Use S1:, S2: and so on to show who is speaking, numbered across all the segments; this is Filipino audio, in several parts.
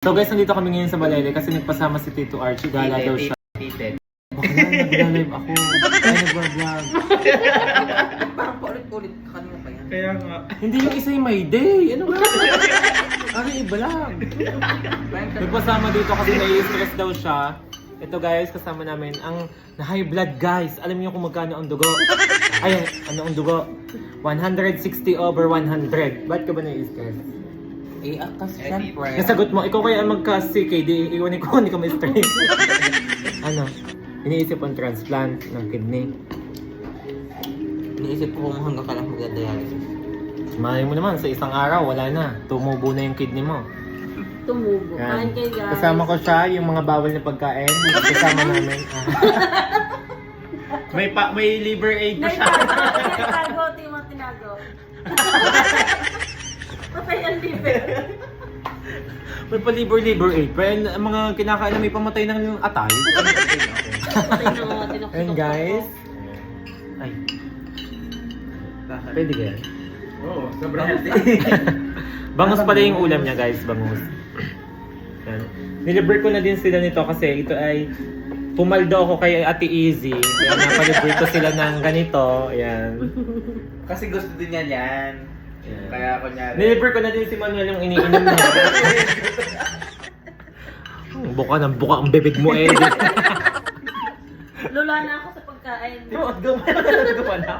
S1: So guys, nandito kami ngayon sa Balele kasi nagpasama si Tito Archie. Gala daw siya. Baka na, nag-live ako. Ay, nag-vlog.
S2: Parang paulit-ulit kanina pa yan.
S3: Kaya nga.
S1: Hindi yung isa yung may day. Ano ba? Ano iba lang. Nagpasama dito kasi nai-stress daw siya. Ito guys, kasama namin ang high blood guys. Alam niyo kung magkano ang dugo? Ay, ano ang dugo? 160 over 100. Ba't ka ba nai-stress?
S2: Eh, akas siyempre.
S1: Nasagot mo, ikaw kaya magka-CK, di iwanin ko, hindi ka may stress. Ano? Iniisip ang transplant ng kidney.
S2: Iniisip ko kung hanggang ka lang magdadialysis.
S1: Malay mo naman, sa isang araw, wala na. Tumubo na yung kidney mo.
S4: Tumubo.
S1: Yan.
S4: Kain kayo guys.
S1: Kasama ko siya, yung mga bawal na pagkain. Kasama namin.
S3: May liver aid pa siya.
S4: Tinago, tinago. Patay ang liver.
S1: May pa-liver aid. Pero ang mga kinakain na may pamatay ng atay.
S4: Patay na nga, tinakot.
S1: And guys. Ay, pwede kaya?
S3: Oo, sobrang healthy.
S1: Bangus pala yung ulam niya guys, bangus. Yan. Nilibre ko na din sila nito kasi ito ay pumaldo ako kay Ate Easy. Kaya napalibre ko sila ng ganito. Ayan.
S3: Kasi gusto din niya yan. Kaya kunyari.
S1: Nilibre ko na din si Manuel yung iniinom niya. Buka ng buka ang bibig mo eh.
S4: Lula na ako sa pagkain.
S1: Gumana.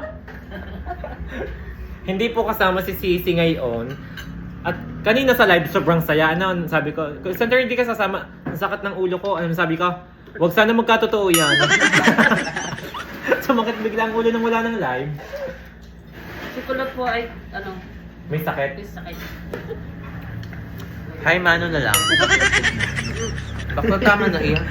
S1: Hindi po kasama si Sisi ngayon. At kanina sa live sobrang saya. Ano, sabi ko, Center hindi ka sasama. Ang sakit ng ulo ko. Ano sabi ko? Huwag sana magkatotoo yan. Sumakit bigla ang ulo nang wala ng live.
S4: Si Kulot po ay, ano,
S1: May sakit.
S4: may sakit.
S2: Hi, mano na lang. Bakit tama na iyan?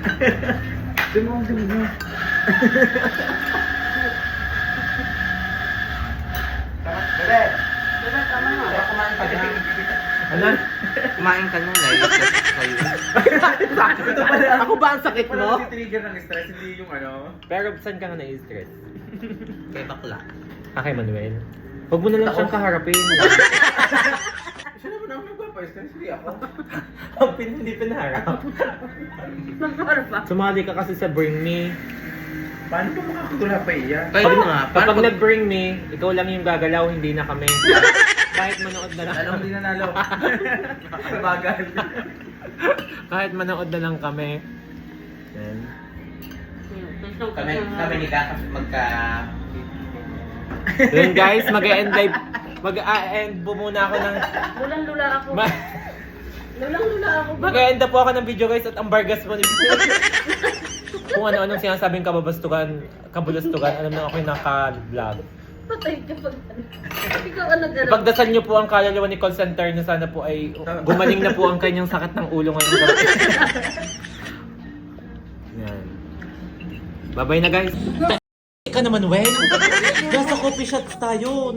S3: Bebe!
S4: Diba, tama na.
S3: Kumain ka na.
S1: Ano?
S2: Kumain ka na, live. Kayo.
S1: Ako ba ang sakit
S3: Wala
S1: mo?
S3: kasi trigger ng stress, hindi yung ano.
S1: Pero saan ka nga na-stress?
S2: Kay bakla.
S1: Kay Manuel. Huwag mo na lang siyang kaharapin.
S3: Siya naman ako nagpapa-stress, hindi ako.
S1: Hindi pinaharap.
S4: Magkakaroon pa.
S1: Sumali ka kasi sa Bring Me.
S3: Paano ba makakatula pa iyan?
S2: Kayo nga.
S1: Kapag nag-Bring Me, ikaw lang yung gagalaw, hindi na kami. Kahit manood na lang.
S3: Alam, hindi nanalo. Bagal.
S1: Kahit manood na lang kami. Yan.
S2: Kami ni Kaka magka...
S1: Then guys, mag-e-end live. Mag-e-end po muna ako ng...
S4: Lulang-lula ako.
S1: Ma-
S4: Lulang-lula ako.
S1: Mag-e-end na po ako ng video guys at ang bargas mo ni... Kung ano-anong sinasabing kababastugan, kabulastugan, alam na ako yung naka-vlog.
S4: Patay ka pag... Ikaw ang nag-ano.
S1: Ipagdasal niyo po ang kaluluwa ni call center na sana po ay gumaling na po ang kanyang sakit ng ulo ngayon. Yan. Bye-bye na guys. Ka naman, Wen. Nasa coffee shots tayo.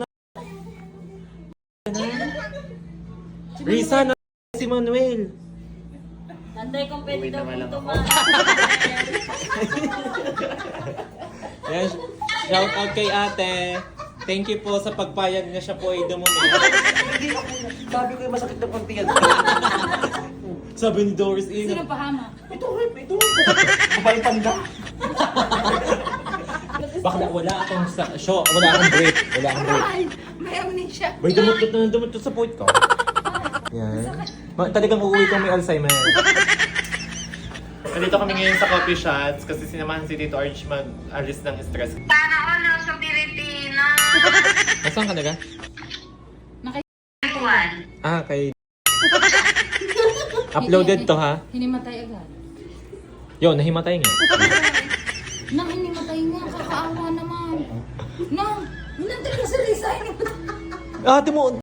S1: Risa na si Manuel.
S4: Nanday kung pwede daw po tumahan.
S1: Yan. Shout out kay ate. Thank you po sa pagpayag na siya po ay dumumi.
S2: Sabi ko yung masakit na konti yan.
S1: Sabi ni Doris Ina.
S4: Sino pahama?
S2: Ito. Babae panda.
S1: Bakla, wala akong show, wala akong break. Wala akong break.
S4: May amnesia.
S1: Bay, dumutot sa point ko. Yan. Talagang uuwi kang may Alzheimer. Nandito kami ngayon sa coffee shots kasi sinamahan si Tito Arch mag-alis ng stress.
S4: Sana all sa Pilipinas.
S1: Nasaan ka naga?
S4: Nakaiwan.
S1: Ah, kay... Uploaded to ha?
S4: Hinimatay agad.
S1: Yo, nahimatay nga.
S4: Nang hinimatay nga, kakaawa naman. Nang, nandun na si Risa.
S1: Ate mo,